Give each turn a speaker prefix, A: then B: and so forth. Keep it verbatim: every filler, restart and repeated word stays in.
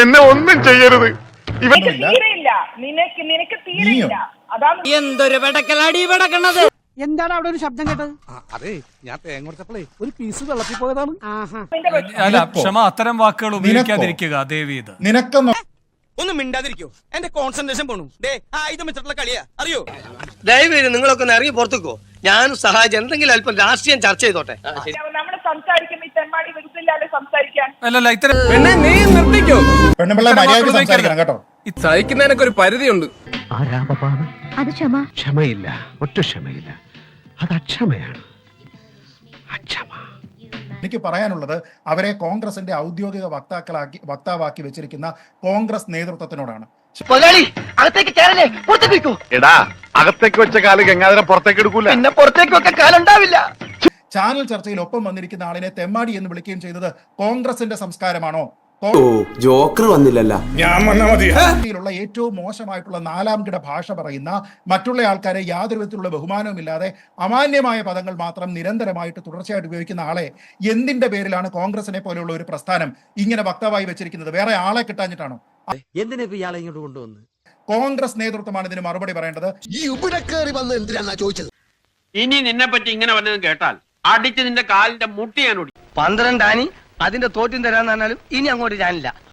A: എന്നെ ഒന്നും ചെയ്യരുത്.
B: തീരെയില്ല, നിനക്ക് നിനക്ക് തീരെയില്ല. അതാണ്
C: എന്തൊരു വെടക്കലാടി വെടക്കണത്.
D: എന്താണ് അവിടെ ഒരു ശബ്ദം കേട്ടത്?
E: അതെ, ഞാൻ തേങ്ങ കൊടുത്തപ്പോഴേ ഒരു പീസ് വെള്ളത്തിൽ പോയതാണ്.
F: അല്ല, ക്ഷമ, അത്തരം വാക്കുകൾ ഉപയോഗിക്കാതിരിക്കുക ദേവി. ഇത്
G: നിനക്കൊന്നും
C: ഒന്നും മിണ്ടാതിരിക്കോ, എന്റെ കോൺസെൻട്രേഷൻ പോണു. ആയുധം വെച്ചിട്ടുള്ള കളിയാ, അറിയോ? ദയവേര് നിങ്ങളൊക്കെ ഒന്ന് ഇറങ്ങി പുറത്തേക്കോ. ഞാനും സഹായിച്ച് എന്തെങ്കിലും അല്പം രാഷ്ട്രീയം ചർച്ച ചെയ്തോട്ടെ.
B: നമ്മൾ സംസാരിക്കുമ്പോ ഈ തെമ്മാടി വിരുദ്ധില്ലാതെ സംസാരിക്കാൻ.
F: അല്ലല്ല, ഇത്തരം
C: നീ നിർത്തിക്കോ.
G: പെണ്ണുപിള്ള മര്യാദയ്ക്ക് സംസാരിക്കണം കേട്ടോ.
C: സഹിക്കുന്നതിനൊക്കെ ഒരു പരിധിയുണ്ട്.
H: അത് ക്ഷമ.
E: ക്ഷമയില്ല, ഒട്ടും ക്ഷമയില്ല. അത് അക്ഷമയാണ്, അക്ഷമ.
G: എനിക്ക് പറയാനുള്ളത് അവരെ കോൺഗ്രസിന്റെ ഔദ്യോഗിക വക്താക്കളാക്കി വക്താവാക്കി വെച്ചിരിക്കുന്ന കോൺഗ്രസ് നേതൃത്വത്തിനോടാണ്.
A: എടാ, അകത്തേക്ക് വെച്ച കാല് ഗംഗാധരം പുറത്തേക്ക് എടുക്കൂല.
C: പിന്നെ പുറത്തേക്കൊക്കെ കാലുണ്ടാവില്ല.
G: ചാനൽ ചർച്ചയിൽ ഒപ്പം വന്നിരിക്കുന്ന ആളിനെ തെമ്മാടി എന്ന് വിളിക്കുകയും ചെയ്തത് കോൺഗ്രസിന്റെ സംസ്കാരമാണോ?
I: ജോക്കർ വന്നില്ലല്ലോ.
G: ുള്ള ഏറ്റവും മോശമായിട്ടുള്ള നാലാം കിട ഭാഷ പറയുന്ന, മറ്റുള്ള ആൾക്കാരെ യാതൊരു വിധത്തിലുള്ള ബഹുമാനവും ഇല്ലാതെ അമാന്യമായ പദങ്ങൾ മാത്രം നിരന്തരമായിട്ട് തുടർച്ചയായിട്ട് ഉപയോഗിക്കുന്ന ആളെ എന്തിന്റെ പേരിലാണ് കോൺഗ്രസിനെ പോലെയുള്ള ഒരു പ്രസ്ഥാനം ഇങ്ങനെ വക്താവായി വെച്ചിരിക്കുന്നത്? വേറെ ആളെ കിട്ടാഞ്ഞിട്ടാണോ?
C: എന്തിനാ ഇയാളെ ഇങ്ങോട്ട് കൊണ്ടുവന്ന്?
G: കോൺഗ്രസ് നേതൃത്വമാണ് ഇതിന് മറുപടി പറയേണ്ടത്.
E: ഈ ഇവിടെ കയറി വന്ന് എന്തിനാ ചോദിച്ചത്?
J: ഇനി നിന്നെ പറ്റി ഇങ്ങനെ വല്ലതും കേട്ടാൽ അടിച്ച് നിന്റെ കാലിന്റെ മുട്ടി ഞാൻ ഓടി.
C: പന്ത്രണ്ടാനി അതിന്റെ തോറ്റും തരാന്ന് പറഞ്ഞാലും ഇനി അങ്ങോട്ട് ഞാനില്ല.